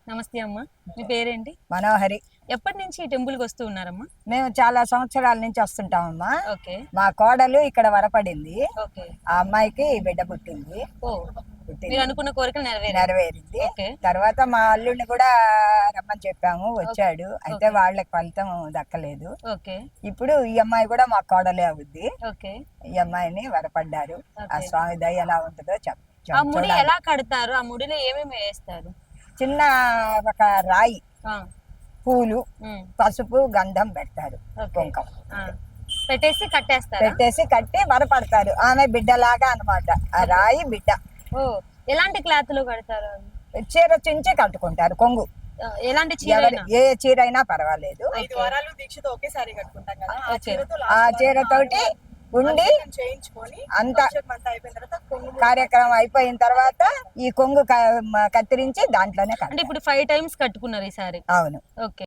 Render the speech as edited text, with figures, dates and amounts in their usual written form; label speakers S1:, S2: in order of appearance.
S1: నమస్తే అమ్మ. మీ పేరేంటి?
S2: మనోహరి.
S1: ఎప్పటి నుంచి ఈ టెంపుల్ కి వస్తూ ఉన్నారమ్మా?
S2: మేము చాలా సంవత్సరాల నుంచి వస్తుంటామమ్మా.
S1: ఓకే.
S2: మా కోడలు ఇక్కడ వరపడింది.
S1: ఓకే.
S2: ఆ అమ్మాయికి బిడ్డ పుట్టింది.
S1: ఓ, మీరు అనుకున్న కోరికలు
S2: నెరవేరింది.
S1: ఓకే.
S2: తర్వాత మా అల్లుడిని కూడా రమ్మని చెప్పాము, వచ్చాడు. అయితే వాళ్ళకి ఫలితం దక్కలేదు.
S1: ఓకే.
S2: ఇప్పుడు ఈ అమ్మాయి కూడా మా కోడలే అవుద్ది.
S1: ఓకే.
S2: ఈ అమ్మాయిని వరపడ్డారు. ఆ స్వామి దయ ఎలా ఉంటుందో
S1: ఆ ముడి ఎలా కడతారు? ఆ ముడిలో ఏమేమి వేస్తారు?
S2: చిన్న ఒక రాయి, పూలు, పసుపు, గంధం పెడతారు, కుంకం
S1: పెట్టేసి కట్టేస్తారు.
S2: పెట్టేసి కట్టి వరపడతారు. ఆమె బిడ్డలాగా అన్నమాట. ఆ రాయి బిడ్డ.
S1: ఓ, ఎలాంటి క్లాత్ లో కడతారు?
S2: చీర చించి కట్టుకుంటారు, కొంగు.
S1: ఎలాంటి చీర?
S2: ఏ చీర అయినా పర్వాలేదు.
S3: 5 వారాలు దీక్షతో ఒకేసారి కట్టుకుంటాం కదా,
S2: ఆ చీరతోటి ఉండి అంత కార్యక్రమం అయిపోయిన తర్వాత ఈ కొంగు కత్తిరించి దాంట్లోనే.
S1: అంటే ఇప్పుడు 5 టైమ్స్ కట్టుకున్నారు ఈసారి?
S2: అవును.
S1: ఓకే.